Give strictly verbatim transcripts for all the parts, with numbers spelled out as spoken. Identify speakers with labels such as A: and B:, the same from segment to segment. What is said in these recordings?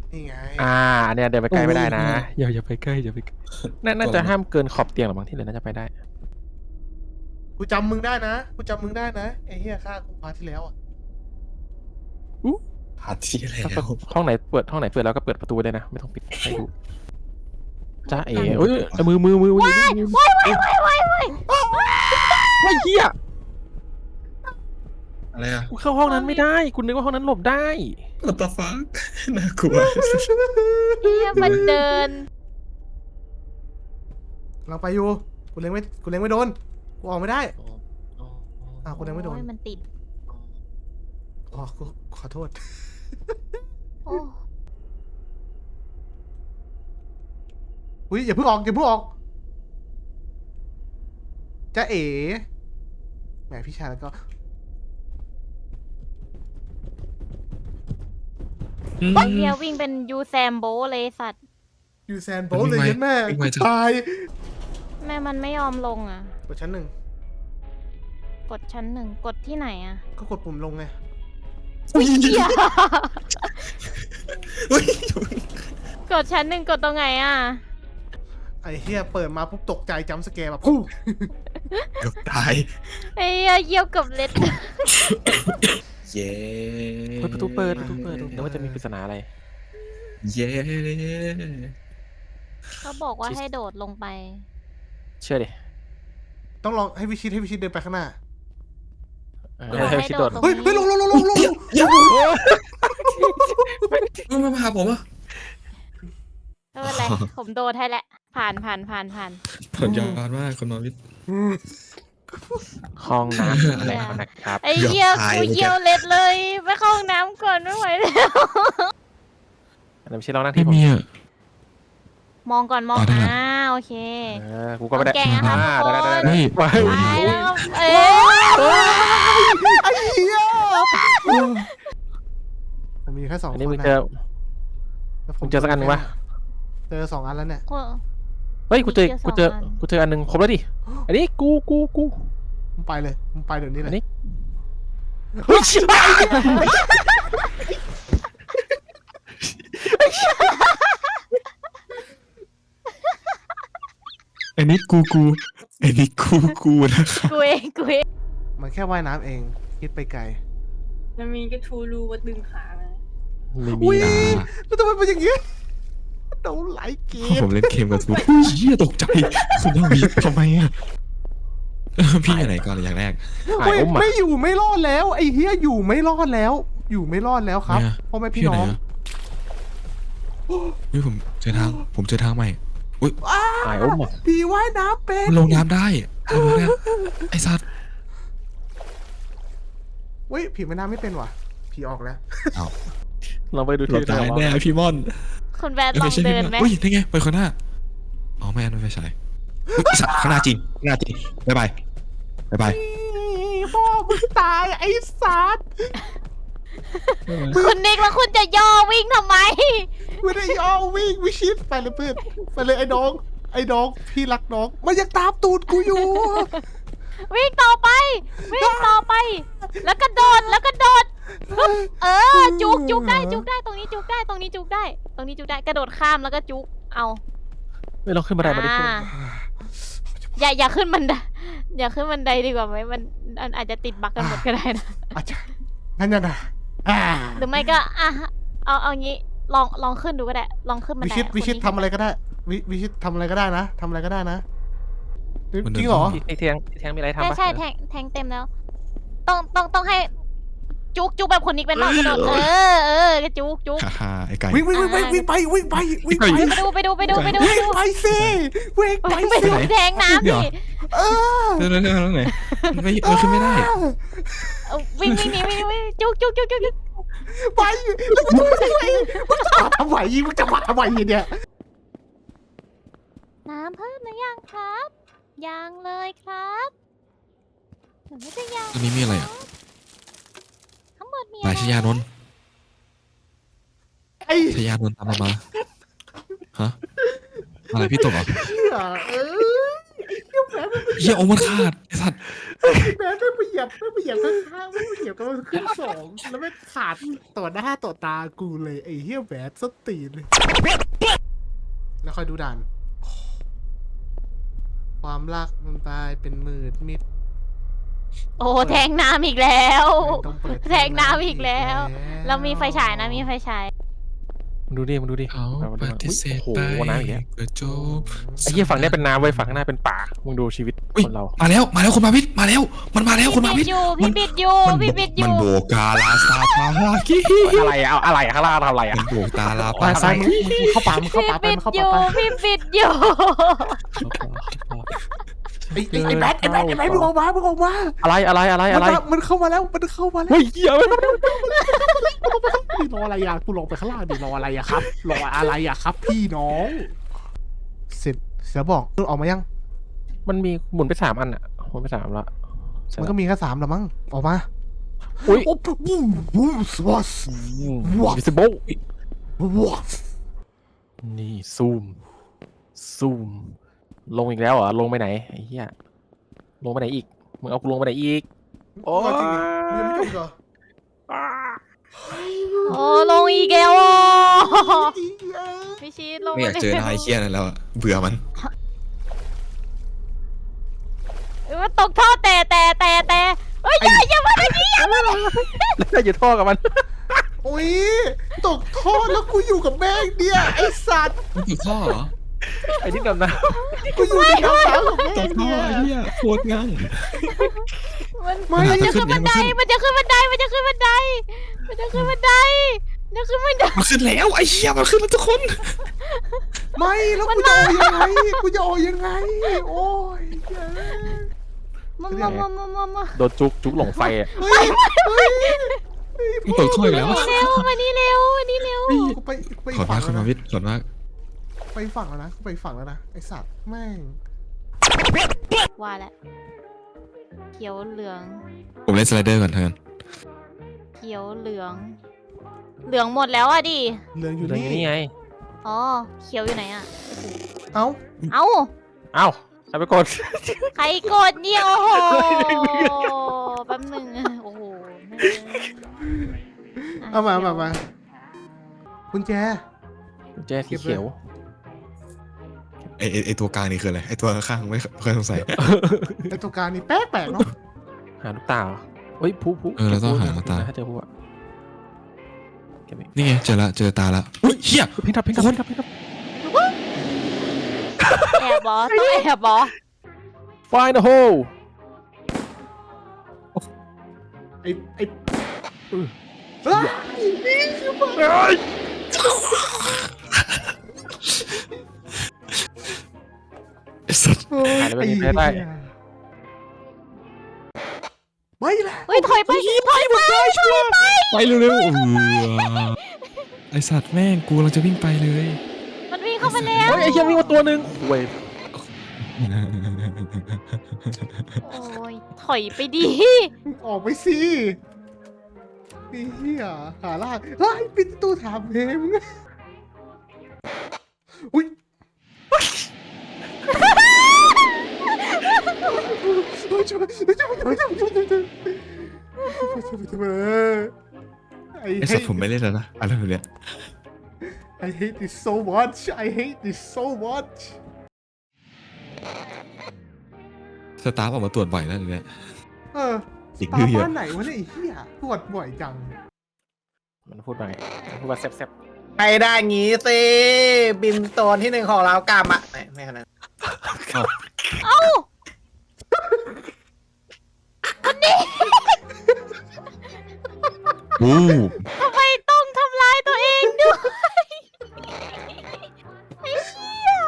A: นี่ไง
B: อ่าเนี่ยเดินไปใกล้ไม่ได้นะอย่าอย่าไปใกล้อย่าไปใกล้น่าจะห้ามเกินขอบเตียงหรือบางที่เลยน่าจะไปได้
A: กูจำมึงได้นะกูจำมึงได้นะไอ้เหี้ยฆ่ากูพาร์ทที่แล้วอ่ะ
C: พาร์ทที่แล้ว
B: ห้องไหนเปิดห้องไหนเปิดแล้วก็เปิดประตูได้นะไม่ต้องปิดให้ดูจ้าเอ๋เอ้ยมือมือมือมือ
D: ว้ายว้ายว้ายว้ายว้ายว้าย
B: ว้ายเหี้ย
C: อะไรอ่ะ
B: กูเข้าห้องนั้นไม่ได้กูนึกว่าห้องนั้นหลบได้
C: What the fuck น่ากลัว
D: เฮียมันเดิน
A: เราไปอยู่กูเล็งไม่กูเล็งไม่โดนกูออกไม่ได้อ้าวกูเล็งไม่โดน
D: โอ้ยมันติด
A: อ๋อกูขอโทษ
D: โอ้
A: อุ้ยอย่าเพิ่งออกอย่าเพิ่งออกจะเอ๋แหมพี่ชายแล้วก็
D: เฮียวิ่งเป็นยูแซมโบเลยสัตว์
A: ยูแซนโบลเลยยันแม่ตาย
D: แม่มันไม่ยอมลงอ่ะ
A: กดชั้นหนึ่ง
D: กดชั้นหนึ่งกดที่ไหนอ่ะ
A: ก็กดปุ่มลงไง
C: อุ้ย
D: เฮีย
C: อุ้ย
D: กดชั้นหนึ่งกดตรงไหนอ่ะ
A: ไอ้เฮียเปิดมาปุ๊บตกใจจำสแกร์แบบพุ่ง
C: เกือบตาย
D: ไอ้เหี้ยเยี่ยวกับเล็ด
C: เย้
B: เฮ้ยประตูเปิดประตูเปิดนึกว่าจะมีปริศนาอะไร
C: เย้
D: เขาบอกว่าให้โดดลงไป
B: เชื่อดิ
A: ต้องลองให้วิชิตให้วิชิตเดินไปข้างหน้า
B: ให้ให้ชิดโดด
D: ตรง
A: เฮ้ย
D: นี้
A: เฮ้ยลงลงลงลงลง
C: มันมาหาผมอ่ะ
D: ไม่เป็นไร ผมโดดให้แหละ ผ่านผ่านผ่านผ่าน
C: ผมยอมมากคนนอนวิทย์
B: ห้องน้ำอะไรนะครับ
D: ไอ้เหี้ยกูเยี่ยวเล็ดเลยไปเข้าห้องน้ำก่อนไม่ไหวแล้ว
B: อันนั้นไม่ใช่ลองนั่งที่ผม
D: มองก่อนมอง
C: อ๋อได้
D: อ่าโอเค
B: เออกูก็ไม่ได้
D: แกงอะครับ
B: อ่า
D: ทุกคน
B: ได้ได้ได้
C: นี่
B: ว้าย
D: ไปแล้วก็เอ๊ะ
A: ไอ้เหี้ยผมมีแค่สองค
B: อัน
A: น
B: นี้มึง
A: นะ
B: เจอ
A: แล้วผ
B: มึงเจอสักอันหนึ่งปะ
A: เจอสองอันแล้วเนี่ย
B: เฮ้ยกูเจอ
D: มี
B: กู
D: เจ
B: เจ
D: อ
B: อ
D: สองอัน
B: กูเจออันหนึ่งครบแล้วดิอันนี้กูกูกู
A: มึงไปเลยมึงไปเดี๋ยวนี้เล
B: อั
A: ย
B: นนี้เฮ้ยชิบหาย
C: อันนี้กูกูอันนี้กูกูนะครับ
D: กูเองกูเอง
A: มันแค่ว่ายน้ำเองคิดไปไกล
E: มันมีกระทูรูว่าดึงขามา
B: ไม่มี
A: อุ้ย
B: นะ
A: แล้วทำไมเป็นอย่างงี้โดนไหลเกม
C: ผมเล่นเกมกับทุกเฮียตกใจคุณน้องวิทย์ทำไมอ่ะพี่อยู่ไหนก่อนเลยอย่างแรก
B: หาย
A: เว้ย
B: อุ้มอ่ะ
A: ไม่อยู่ไม่รอดแล้วไอ้เฮียอยู่ไม่รอดแล้ว อยู่ไม่รอดแล้วครับ
C: เนี่ย
A: พ่อแม่พี่
C: อยู่
A: น้
C: ไห
A: อง
C: อะเฮ้ยผมเจอทางผมเจอทางใหม่อุ้ย
B: หายอุ้มอ่ะ
A: พี่ว่ายน้ำเป็น
C: มันลงน้ำได้ไอ้พวกเนี้ยไอ้สัตว์
A: เว้ยผีว่ายน้ำไม่เป็นว่ะผีออกแล้ว
C: อ้าว
B: ลองไปดู
C: หล
B: ที่
C: บตายแน่พี่ม่อน
D: คุณแบทลองเดินไหม
C: อุ้ยนี่ไงไปข้างหน้าอ๋อไม่อันนั้นไม่ใช่อุ๊ยไอ้สัตว์ข้างหน้าจริงข้างหน้าจริงบ๊ายบายบ๊ายบาย
A: พ่อมึงตายไอ้สัตว์
D: คุณนิกแล้วคุณจะย่อวิ่งทำไม
A: ไม่ได้ยอมวิ่งวิชิตไปเลยเพื่อนไปเลยไอ้น้องไอ้น้องพี่รักน้องมันยังตามตูดกูอยู่
D: วิ่งต่อไป วิ่งต่อไป แล้วก็โดดแล้วก็โดดปึ๊บเออจุกจุกได้จุกได้ตรงนี้จุกได้ตรงนี้จุกได้ ตรงนี้จุกได้กระโดดข้ามแล้วก็จุกเอา
B: ไม่ลองขึ้นบันไดมาดิ
D: อ่าอย่าอย่าขึ้นบันไดอย่าขึ้นบันไดดีกว่าไหมมันมันอาจจะติดบั๊กกันหมดก็ได้นะ
A: อาจารย์งั้นยังไงอ่า
D: หรือไม่ก็อ่ะเอาเอางี้ลองลองขึ้นดูก็ได้ ลองขึ้นบัน
A: วิ
D: ได
A: ชิต
D: อะ
A: วิชิต
D: คนนี้
A: ทำอะไรก็ได้วิวิชิตทำอะไรก็ได้นะทำอะไรก็ได้นะจริงเหรอ
B: ไอ้แทงไอ้แทงมีอะไรทำ
D: ใช่
B: ปะ
D: ใช่แทงแทงเต็มแล้ว ต้องต้องต้องให้ จุกจุกแบบคนนี้เป็นบ้างกระโดดเออเออจุกจุก
C: ฮ่าฮ่าไอ้ไก่
A: วิ่งวิ่งวิ่งวิ่งไปวิ่งไปวิ่งไป
D: ไปดูไปดูไปดูไปดูไป
A: วิ่ง
D: ดู
A: ไปสิวิ่งไป
D: ไป
A: สิ
D: ดูแทงน้ำดิ
A: เออ
C: เรื่องเรื่องเรื่องไหนมันไม่มันขึ้นไม่ได้
D: เอาวิ่งวิ่งหนีวิ่งวิ่งจุกจุกจุกจุกจุก
A: ไปแล้วมึงจะไปมึงจะมาทำไมมึงจะมาทำไมเนี่ย
D: น้ำเพิ่มหรือยังครับยังเลยครับหนูไม่ได้ยัง
C: ตรงนี้มีอะไรอ่ะ
D: ทั้งหมดมี
C: นายชยานนท์
A: ไอ้
C: ชยานนท์ตามเรามาฮะอะไรพี่ตกเหรอ
A: เหี้ยเออ
C: เฮียโอ้มันขาดไอ้สัตว์
A: แม่ไม่ไปเหยียบไม่ไปเหยียบข้างๆไม่ไปเหยียบกันขึ้นสองแล้วไม่ขาดต่อหน้าต่อตากูเลยไอ้เหี้ยแหวนสตีนเลยแล้วค่อยดูด่านความรักมันตายเป็นมืดมิด
D: โอ้แทงน้ำอีกแล้ว
A: ต้องเปิด
D: แทงน้ำอีกแล้ว เรามีไฟฉายนะมีไฟฉาย
B: มึงดูดิมึงดูดิ
C: เขา
B: แบบว่า
C: ปฏิเสธ
B: โอ้
C: ไป
B: โหน้ำอย่างเงี้ย
C: ก็จบ
B: ไอ้เหี้ยฝั่งเนี้ยเป็นน้ำเว้ยฝั่งข้างหน้าเป็นป่ามึงดูชีวิต
C: อุ๊ย
B: คนเรา
C: มาแล้วมาแล้วคุณมาวิทย์มาแล้ว มันมาแล้วคุณมา
D: พี่
C: วิ
D: บิ
C: ท
D: ด
C: ย์
D: อยู่
C: มั
D: พี่
C: น
D: บิดอยู่พี่บิดอ
C: มัน
D: ยู่
C: โบกาลาซาพาฮากิ
B: อะไรอะเอาอะไรอะข้างล่างทำอะไรอะ
C: มันโบกตาลา
A: ไป
C: ปา
A: ซ้ายมึงมึงเข้าป่ามึงเข้า
D: พี่
A: ป่าไป
D: บิด
A: มึงเข้า
D: อ
A: ป่า
D: ยู่
A: ไป
D: พี่บิดอยู่
A: ไอ้ไอ้ไอ้แบทไอ้แบทไอ้แบทมึงออกมามึงออกมา
B: อะไรอะไรอะไรอะไร
A: มันมันเข้ามาแล้วมันเข้ามาแล้ว
B: เฮ้ยเหี้ย
A: รออะไรอ่ะกูลงไปข้างล่างดิรออะไรอ่ะครับรออะไรอ่ะครับ พี่น้องเสร็จเสือบอกมึงออกมายัง
B: มันมีหมุนไปสามอันอะหมุนไปสามละ
A: มันก็มีแค่สามละมั้งออกมา
B: อุ้ย
A: โอ้วู้วู้สวอส What?
B: วิสิโบ
A: วอส
B: นี่ซูมซูมลงอีกแล้วเหรอลงไปไหนไอ้เหี้ยลงไปไหนอีกมึงเอากูลงไปไหนอีกโอ้
A: จริงดิยังไม่จบเหรอ
D: โอ้ลงอีกแล้วอ่ะพี่ชีสลง
C: ไม่อยากเจอหน้าไอ้เคี้ยนั่นแล้วอะเบื่อมัน
D: มันตกท่อแต่แต่แต่แต่เฮ้ยอย่าอย่ามาแบบนี้อย่ามา
B: แล้วอยู่ท่อกับมัน
A: โอ้ยตกท่อแล้วกูอยู่กับแม่งเนี่ยไอ้สัตว์
C: มันติดท่อเหรอ
B: ไอ้ที่ดำน้
A: กูอยู่ในน้ำสาวกับแม่
C: ติ
A: ง
C: ดท่อ
A: เนี่ย
C: ไอ้เหี้ยโคตรงั่ง
D: มัน
A: ไม่
D: มันจะขึ้นบันไดมันจะขึ้นบันไดมันจะขึ้นบันไดมันจะขึ้นบันไดมันจะขึ้นบันได
C: มันขึ้นแล้วไอ้เหี้ยมันขึ้นแล้วทุกคน
A: ไม่แล้วกูจะออกยังไงกูจะออกยังไงโอ้ย
D: มามามามามามา
B: ำโดนจุกจุกหลงไฟอะ
A: เฮ้ยเฮ้ย
C: มันตกท่ออีกแล้วอะ
D: เร็วมานี่เร็วมานี่เร็ว
A: กูไปไป
C: ขอด
A: ฝั่
C: มาง กคุณ
A: แล้ว
C: มา
A: นะ
C: วิทย์ขอดมาก
A: ไปฝั่งแล้วนะกูไปฝั่งแล้วนะไอสัตว์แม่ง
D: ว่าแล้วเขียวเหลือง
C: ผมเล่นสไลเดอร์ก่อนเถอะ
D: เขียวเหลือง เหลืองหมดแล้วอะดิ
A: เรื่องอยู่
B: เรื่อง
A: นี่
B: นี้ไง
D: อ๋อเขียวอยู่ไหนอะ
A: เอ้า
D: เอ้า
B: เอ้าใครไปกด
D: ใครกดเนี่ยโอ้โหแป๊บหนึงโอ้โหแม่ง
A: เอามามามากุญแจ
B: กุญแจสีเขียว
C: ไอไอ้ไอตัวกลางนี่คืออะไรไอตัวข้างๆไม่เคยสงสัย
A: ไอตัวการนี่แปลกแปลกๆเนาะ
B: หาลูกตาเหรอเฮ้ยผู้ผู้
C: เออเราต้องหาลูกตา
B: ถ้าเจอผู้อะเก็บอีก
C: นี่ไงเจอละเจอตาละอุ้ยเหี้ย
B: พิงทับพิงทับพิงทับพิงทับ
D: แอบบอต้องแอบบอ
B: Find a hole
A: ไอไอเออเฮ้ย
C: ไอ้สัส
B: หายแล้วไม่มีใครได้
A: ไม่ละ
D: เฮ้ยถอยไปถอยไปถอยไป
C: ไปเร็วๆเออไอสัตว์แม่งกูเราจะวิ่งไปเลย
D: มันวิ่งเข้ามาแล้ว
B: เฮ้ยไอ้เหี้ยมีมาตัวหนึ่งเว้ย
D: โอ้ยถอยไปดิ
A: ออกไปสิไอ้เหี้ยหาล่างเฮ้ยปิดประตูถามเพมงอุ้ยช่วยช่วยช่วยช่วยช่วยช่วยช่วยช่วยช่วยช่วยไอ้
C: ไอสัตว์ผมไม่เล่นแล้วนะอะไรแบบเนี้ย
A: I hate this so much I hate this so much
C: สตาร์ฟออกมาตรวจบ่อยแล้วเนี้ย
A: เออ
C: อีก
A: ตา
C: ดื้อเยอะ
A: บ้านไหนวะเนี่ยไอ้เหี้ยตรวจบ่อยจัง
B: มันพูดว่าไงมันพูดว่าแซ่บ
F: ไปได้งี้สิ บินโซนที่หนึ่งของเรากลับมาไม่ไม่ขนาดนั้น
D: เอ้าคนนี้
C: วู้
D: ทำไมต้องทำร้ายตัวเองด้วยไอ้เหี้ย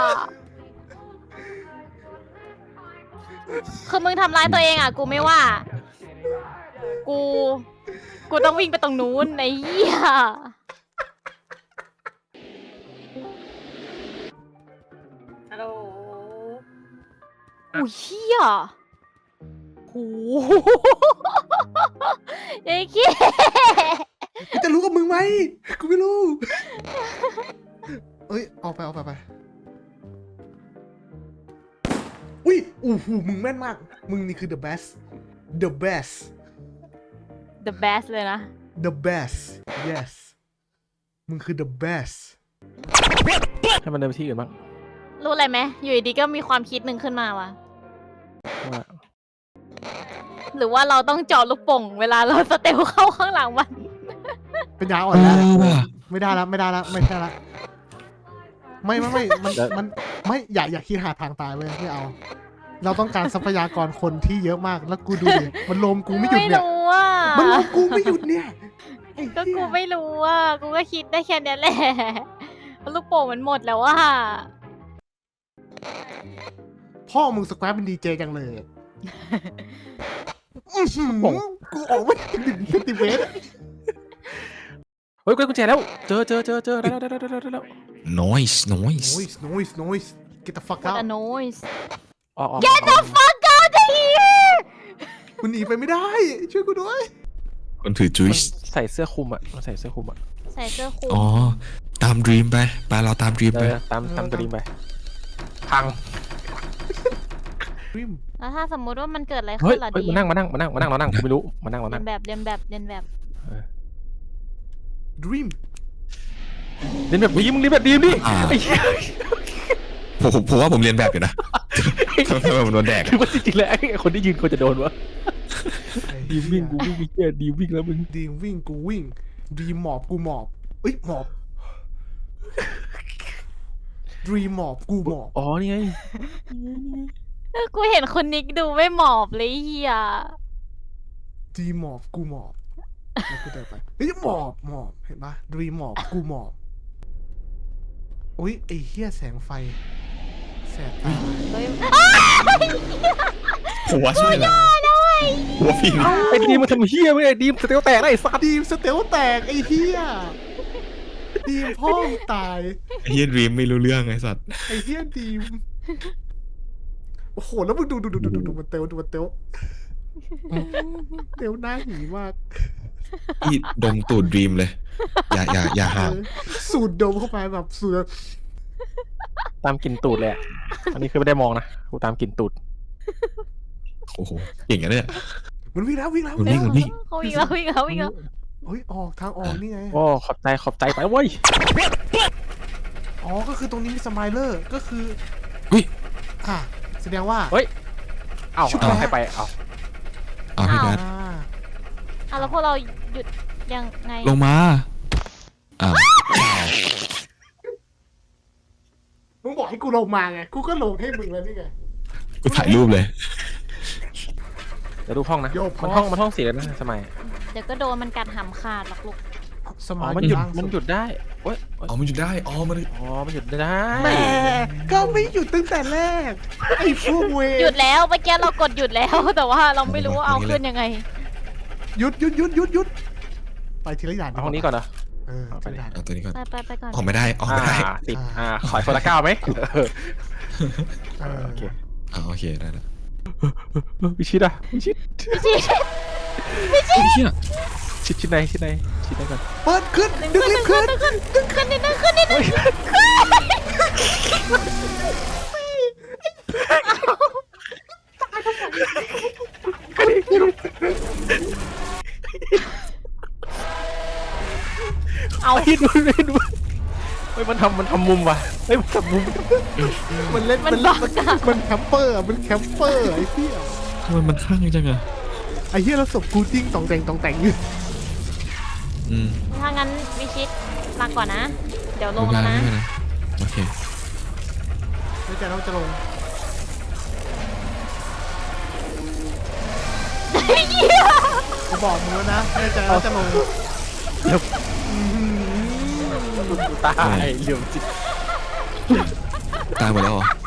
D: คือมึงทำร้ายตัวเองอ่ะ กูไม่ว่า กู กูต้องวิ่งไปตรงนู้นไอ้เหี้ย
E: ฮัลโหล
D: อุ้ยเหี้ยโอ้โหไอ้เหี้ย
A: กูจะรู้กับมึงไหมกูไม่รู้เอ้ยออกไปออกไปไปอุ้ยอู้หูมึงแม่นมาก มึงนี่คือ the best the best
D: the best เลยนะ
A: the best yes มึงคือ the best
B: ให้มันเดินไปที่อื่นบ้าง
D: รู้อะไรไหมอยู่ดีๆก็มีความคิดหนึ่งขึ้นมาว่ะ
B: ว่า
D: หรือว่าเราต้องเจาะลูกโป่งเวลาเราสเตลเข้าข้างหลังมัน
A: เป็นยาอ่อ
C: เอน
A: แล้ว
C: อว่ะ
A: ไม่ได้แล้วไม่ได้แล้วไม่ใช่ละไม่ไม่ไม่มันมันไม่อย่าอย่าคิดหาทางตายเลยไม่เอา เราต้องการทรัพยากรคนที่เยอะมากแล้วกูดูดิมันโลมกูไม่หยุด
D: ไม่
A: เนี่ย
D: รู้อ่ะ
A: มันโลมกูไม่หยุดเนี่ยไอ้
D: ก็
A: เหี้
D: กู
A: ย
D: ไม่รู้อ่ะกูก็คิดได้แค่เนี้ยแหละลูกโป่งมันหมดแล้วว่า
A: พ่อมึงสแควร์เป็นดีเจจังเลยอื้อหือกูออกไม่ถึงหนึ่งเซนติเมตรอะ
B: เฮ้ยกุญแจแล้ว เจอเจอเจอเจอได้แล้วได้แล้วได้แล้วได้แล้ว
C: noise noise
A: noise noise noise get the fuck
D: What
A: out
D: a noise
B: ออกออก
D: Get the fuck out of here
A: กูหนีไปไม่ได้ ช่วยกูด้วย
C: คนถือจุ
B: มั
C: ย
B: น
C: ส์
B: ใส่เสื้อคลุมอ่ะมันใส่เสื้อคลุมอ่ะ
D: ใส่เสื้อคลุม
C: อ๋อ ตามดรีมไปไปเราตามดรีม
B: เอ
C: ไป
B: อตามตามตัวดีมไป พัง
A: ริม
D: แล้วถ้าสมมุติว่ามันเกิดอะไร
B: เฮ้
D: ขึ้
B: ย
D: นล่ะ
B: เฮ้ย
D: ดี
B: มานั่งมานั่งมานั่งมานั่งเรานั่งกูไม่รู้มานั่งเรา
D: เรี
B: นั่
D: ย
B: ง
D: นแบบเรียนแบบเรียนแบบ
A: ดรีม
B: เรียนแบบดีมึงเรียนแบบดีมดิ
C: อ่า
B: ไอ้เหี้ย
C: ผมผมผมว่าผมเรียนแบบอยู่นะทำไมผมโดนแดก
B: คือว่าจริงๆแล้วไอ้คนที่ยืนควรจะโดนวะ
A: ไอ้
B: ดี
A: เหี้ย
B: มวิ่งกูวิ่งไอ้เหี้ยดีมวิ่งแล้วมึง
A: ดีมวิ่งกูวิ่งดีมหมอบกูหมอบเอ้ยหมอบดรีมหมอบกูหมอบ
B: อ๋อนี่ไง
D: เออกูเห็นคนนิกดูไม่หมอบเลยเฮีย
A: ดีมหมอบกูหมอบแล้วกูเดินไปเฮ้ยหมอบหมอบเห็นปะดรีมหมอบกูหมอบอุ้ยไอ้เหี้ยแสงไฟแสบตา
D: เฮ้ย
C: ผมว่าใช่แหละผมว่าพี่นี่
B: ไอ้ดีมมันทำเหี้ยไม่ไอ้ดีมสเตลแตกได้ไอ้สัตว์
A: ดีมสเตลแตกไอ้เหี้ยดีมพ่อมึงตาย
C: ไอ้เฮียดรีมไม่รู้เรื่องไอ้สัตว์
A: ไอ้เหี้ยดีมโอ้โหแล้วมึงดูดูดูดูดูดูมันเตลดูมันเตลเตลหน้าหีมาก
C: พี่ดมตูดดรีมเลย อย่าอย่าอย่าหา
A: เออสูดดมเข้าไปแบบสูด
B: ตามกลิ่นตูดเลยอะอันนี้คือไม่ได้มองนะกูตามกลิ่นตูด
C: โอ้โหเก่งอะเนี่ย
A: มันวิ่งแล้ววิ่งแล้ว
C: มันวิ่งมันวิ่ง
D: เขาวิ่งแล้ววิ่งแล้ววิ่งแล้ว
A: เฮ้ยออกทางออกนี่ไง
B: โอ้ขอบใจขอบใจไปเว้ย
A: อ๋อก็คือตรงนี้มีสไมเลอร์ก็คือ
C: อุ้ย
A: อ่ะแสดงว่า
B: เฮ้ยเอ้า
A: ชุบ
B: เอา
A: แล้ว
B: ให้ไปเอ้า
C: เอาพี่แบท
A: อ่า
D: อ่ะแล้วพวกเราหยุดยังไง
C: ลงมาอ้าว
A: มึงบอกให้กูลงมาไงกูก็ลงให้มึงแล้วนี่ไง
C: กูถ่ายรูปเลย
B: เดี๋ยวดูห้องนะ
A: โยกพอ
B: มันห้องมันห้องสีแล้วนะสมัย
D: เดี๋ยวก็โดนมันกัดหำขาดหรอกลูก
A: ส
B: อ๋
A: มา
B: อ
A: ร์ท
B: มันหยุด
A: ล่างสุ
B: มันหยุดได้โอ้ยโอ๊ย
C: อ๋อมันหยุดได้อ๋อมัน
B: อ๋อมันหยุดได้
A: แหมก็ไม่หยุดตั้งแต่แรกไอ้พวกเวร
D: หยุดแล้วเมื่อกี้เรากดหยุดแล้ว แต่ว่าเราไม่รู้ว่าเอาขึ้นยังไง
A: หยุดหยุดหยุดหยุดหยุดไปทีละอย่าง
B: เอาห้องนี้ก่อนนะ
A: เออ
B: เอาไป
A: ทีละอย่าง
C: เอาตัวนี้ก่อน
D: ไปไปไปก่อน
C: ออกไม่ได้ออกไม่ได้
B: อ่าติดอ่าขอยคนละเก้าไหมเออ
A: เออ
B: โอเค
C: อ่าโอเคได้แล้ว
B: วิชิตอะวิชิต
D: พี่ชี
C: ไอ้เฮีย
B: ชิดชิดในชิดในชิดในก่อน
A: เปิดขึ้นดึงลิฟต์ขึ้น
D: ขึ้นขึ้นขึ้นนิดนึงขึ้นนิดนึงเอา
B: ไอ้ดูไอ้ดูเฮ้ยมันทำมันทำมุมว่ะเฮ้ยมันทำมุม
A: มันเล่น
D: มัน
A: มัน
D: บั
A: เล่น
D: กอะ
A: มันแคมเปอร์อะมันแคมเปอร์ไอ้เหี้ย
C: ทำไมมันข้างจังอะ
A: ไอ้เหี้ยแล้วศพกูจิ้งตองแต่งตองแต่งอยู่
C: อืม
D: ถ้างั้นวิชิตลาก่อนนะ เดี๋ยวล
C: ไม่
D: ง
C: เป็น
D: แล้ว
C: ไร
D: นะ
C: ไม่เป็นไรโอเค
A: ไม่ใจเราจะลงกูบอกมึงแล้วนะไม่ใจเราจะลง
B: ตายเหลี่ยมจิต
C: ตายหมดแล้วเหรอ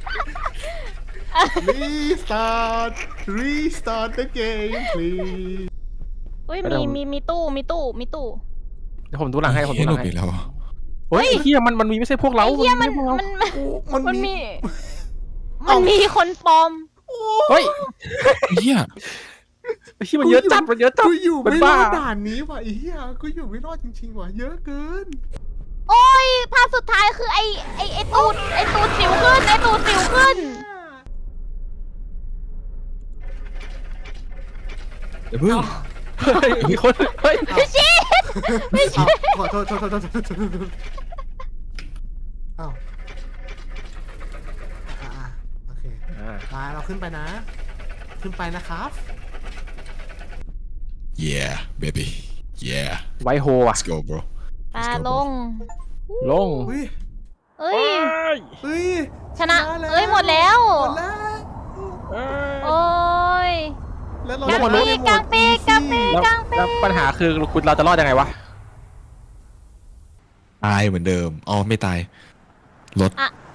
A: รีสตาร์ทรีสตาร์ท the game please
D: อุ้ยมีมีมีตู้มีตู้มีตู้
B: เดี๋ยวผมดูหลังให้ผมดู
C: เฮ้ย
B: ห
C: หล
B: ลั
C: บ
B: งให้
C: อีกแล้วเหรอ
B: เฮ้ยไอ้เหี้ยมันมันมีไม่ใช่พวกเรา
D: ไอ้เหี้ยมัน
B: ไใช่พวกเรา
D: มัน
A: มัน
D: มัน
A: มี
D: มีมันมีคนปลอม
B: เฮ้ย
C: ไอ้เฮีย
B: ไอ้เหี้ยมันเยอะจัดมันเยอะจัด
A: กูอยู่
B: มัน
A: ไม่ร
B: บ้า
A: อดด่านนี้ว่ะไอ้เหี้ยกูอยู่ไม่รอดจริงๆว่ะเยอะเกิน
D: โอ้ยภาพสุดท้ายคือไอไอไอตูดไอตูดสิวขึ้นไอตูดสิวขึ้น
C: เดี๋ยวเพิ่ง
B: เฮ้ยมีคนเฮ้ย
D: พี่ชิด
A: อ้าวขอโทษโทษโทษโทษโทษโทษโทษอ้าวอ่ะอ่ะโอเค
B: อ่า
A: มาเราขึ้นไปนะ ขึ้นไปนะครับ
C: yeah baby yeah
B: ไวโฮอ่ะ
C: let's go bro
D: ปลาลง
B: ลง
A: อุ้ย
D: เอ้ย
A: เฮ้ย
D: ชนะ
A: แล้ว
D: เอ้ยหมดแล้ว
A: หมดแล้ว
D: โอ้ย
A: แล้วเรา
D: กลาง
A: จะ
D: ปี
A: ได้
D: ก
A: หม
D: กลา
A: ด
D: งปีกกลางปีก
B: แล้ว
D: กลางปี
B: แล้ว
D: ก
B: ปัญหาคือคุณเราจะรอดยังไงวะ
C: ตายเหมือนเดิมอ๋อไม่ตายรถ
D: อ่ะ